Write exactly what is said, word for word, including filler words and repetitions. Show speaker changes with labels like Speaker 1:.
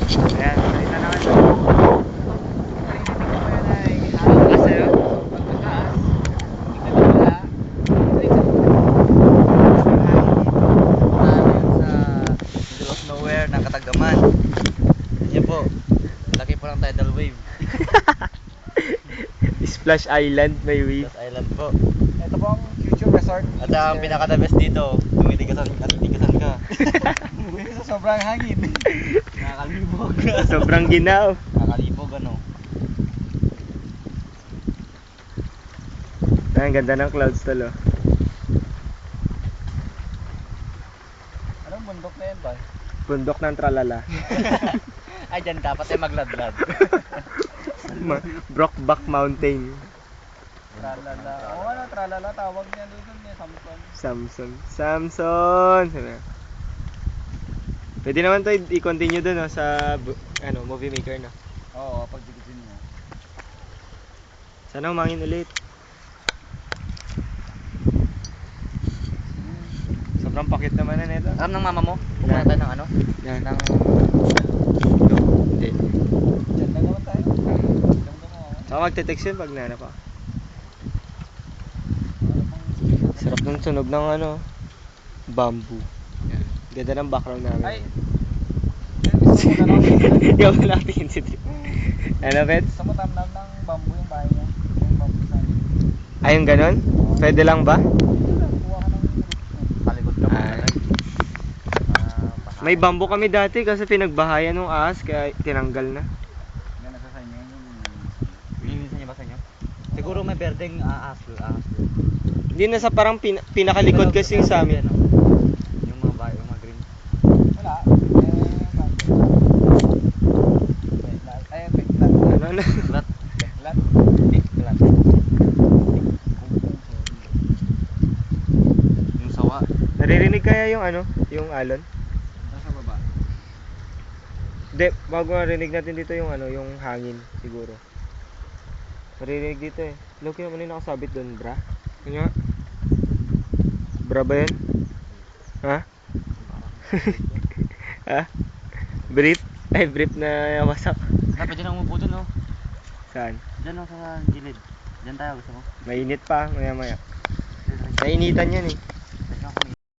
Speaker 1: Ayan, nakita naman ito. Ng Katagaman. Yan po. Laki po ng tidal wave.
Speaker 2: Splash Island, may wave.
Speaker 1: Splash Island po.
Speaker 3: Ito po ang future resort.
Speaker 1: At ang pinaka the best dito, tumitigasan at tigasan ka.
Speaker 3: Sa sobrang hangin.
Speaker 1: Nakakalibog.
Speaker 2: Sobrang ginaw.
Speaker 1: Nakakalibog ano.
Speaker 2: Ay, ang ganda ng clouds tol, oh.
Speaker 3: Anong bundok na yan ba?
Speaker 2: Bundok ng Tralala.
Speaker 1: Ay, dyan dapat ay magladlad.
Speaker 2: Ma- Brockback Mountain.
Speaker 3: Tralala. Oo ano, tralala. Tawag niya doon niya, Samson.
Speaker 2: Samson. Samson! Sabi na. Pwede naman to i-continue dun, no, sa bu- ano, movie maker, no?
Speaker 3: Oo, pagdikitin mo.
Speaker 2: Sana umangin ulit. Sobrang pakit naman na nito.
Speaker 1: Alam ng mama mo? Pumunta tayo ng ano?
Speaker 2: Yan.
Speaker 1: Ng...
Speaker 2: Hindi.
Speaker 3: Diyan lang naman tayo. Diyan lang ako.
Speaker 2: Saka magte-text yun pag nanap pa.
Speaker 3: Ano pang...
Speaker 2: Sarap ng sunog ng ano, bamboo. Yan. Ganda ng background namin.
Speaker 3: Ay! Gusto mo na lang.
Speaker 2: Yung natin si ano, Pet?
Speaker 3: Gusto mo tamnam ng bamboo yung bahay niya. Yung bamboo sa akin.
Speaker 2: Ay, yung ganon? Pwede lang ba?
Speaker 3: Kuha ka ng
Speaker 1: Palikod ka muna
Speaker 2: Ay.
Speaker 1: lang. Ah,
Speaker 2: May bamboo kami dati kasi pinagbahayan ng ahas kaya tinanggal na.
Speaker 3: Yan nasa sa inyo yun.
Speaker 1: Linisan niyo ba sa inyo? Siguro may berdeng ahas ahas doon.
Speaker 2: Hindi na sa parang pin- pinakalikod kasi yung sa amin.
Speaker 1: Ano? Yung mga bayo, yung mga green.
Speaker 3: Wala. Eh, bamboo. Beklat. Ay, beklat.
Speaker 2: Ano na?
Speaker 1: Lat.
Speaker 3: Beklat.
Speaker 1: Tiklat. Yung sawa.
Speaker 2: Naririnig kaya yung ano, yung alon?
Speaker 3: Nasa baba.
Speaker 2: Hindi, bago marinig natin dito yung ano, yung hangin siguro. Maririnig dito eh. Loki naman yung nakasabit doon, bra. Ano nga? Bra ba yan? Ha? Ha? Brief? Ay, brief na wasak.
Speaker 1: Ah, pwede na umupo dun, no?
Speaker 2: Saan?
Speaker 1: Diyan, no, sa gilid. Diyan tayo, gusto mo?
Speaker 2: Mainit pa, maya maya. Nainitan yan eh.